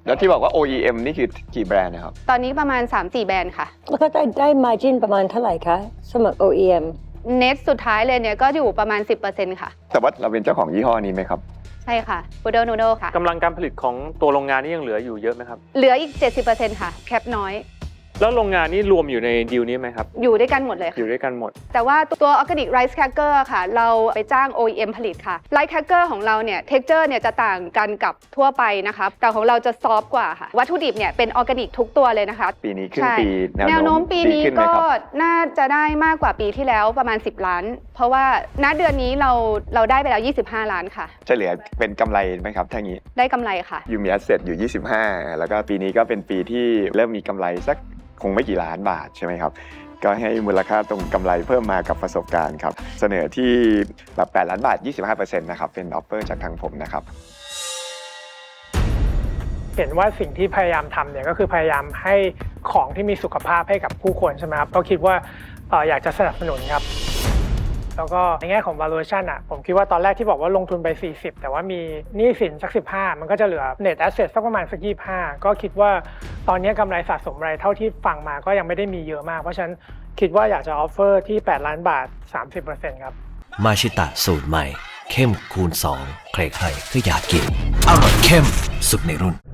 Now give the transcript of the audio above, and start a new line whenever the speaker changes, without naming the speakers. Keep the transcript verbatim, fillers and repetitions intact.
แล้วที่บอกว่า โอ อี เอ็ม นี่คือกี่แบรนด์นะครับ
ตอนนี้ประมาณ สามสี่ แบรนด์ค่ะ
แล้วก็ได้ได้ margin ประมาณเท่าไหร่คะสำหรับ โอ อี เอ็ม
เน็ตสุดท้ายเลยเนี่ยก็อยู่ประมาณ สิบเปอร์เซ็นต์ ค่ะ
แต่ว่าเราเป็นเจ้าของยี่ห้อนี้ไหมครับ
ใช่ค่ะ Poodle Noodle ค่ะ
กำลังการผลิตของตัวโรงงานนี่ยังเหลืออยู่เยอะไหมครับ
เหลืออีก เจ็ดสิบเปอร์เซ็นต์ ค่ะแคปน้อย
แล้วโรงงานนี้รวมอยู่ในดีลนี้ไหมครับ
อยู่ด้วยกันหมดเลยค่ะ
อยู่ด้วยกันหมด
แต่ว่าตัว Organic Rice Cracker ค่ะเราไปจ้าง โอ อี เอ็ม ผลิตค่ะ Rice Cracker ของเราเนี่ย texture เนี่ยจะต่างกันกับทั่วไปนะคะแต่ของเราจะซอฟต์กว่าค่ะวัตถุดิบเนี่ยเป็นออร์แกนิกทุกตัวเลยนะคะ
ปีนี้ขึ้นปี
แนวโน้มปีนี้ก็น่าจะได้มากกว่าปีที่แล้วประมาณสิบล้านเพราะว่าณเดือนนี้เราเราได้ไปแล้วยี่สิบห้าล้านค่ะ
จะเหลือเป็นกำไรไหมครับถ้างี้
ได้กำไรค่ะ
ยูมีแอสเซทอยู่ยี่สิบห้าแล้วก็ปีนี้ก็เป็นปีที่เริ่มมีกำไรสักคงไม่กี่ล้านบาทใช่ไหมครับก็ให้มูลค่าตรงกำไรเพิ่มมากับประสบการณ์ครับเสนอที่แบบแปดล้านบาท ยี่สิบห้าเปอร์เซ็นต์ นะครับเป็นออฟเฟอร์จากทางผมนะครับ
เห็นว่าสิ่งที่พยายามทำเนี่ยก็คือพยายามให้ของที่มีสุขภาพให้กับผู้คนใช่ไหมครับก็คิดว่าเอออยากจะสนับสนุนครับแล้วก็ในแง่ของ valuation อ่ะผมคิดว่าตอนแรกที่บอกว่าลงทุนไปสี่สิบแต่ว่ามีหนี้สินสักสิบห้ามันก็จะเหลือ net asset สักประมาณสักยี่สิบห้าก็คิดว่าตอนนี้กำไรสะสมอะไรเท่าที่ฟังมาก็ยังไม่ได้มีเยอะมากเพราะฉะนั้นคิดว่าอยากจะ offer ที่แปดล้านบาท สามสิบเปอร์เซ็นต์ ครับ
มาชิตะสูตรใหม่เข้มคูณสองใครๆก็อยากกินอร่อยเข้มสุดในรุ่น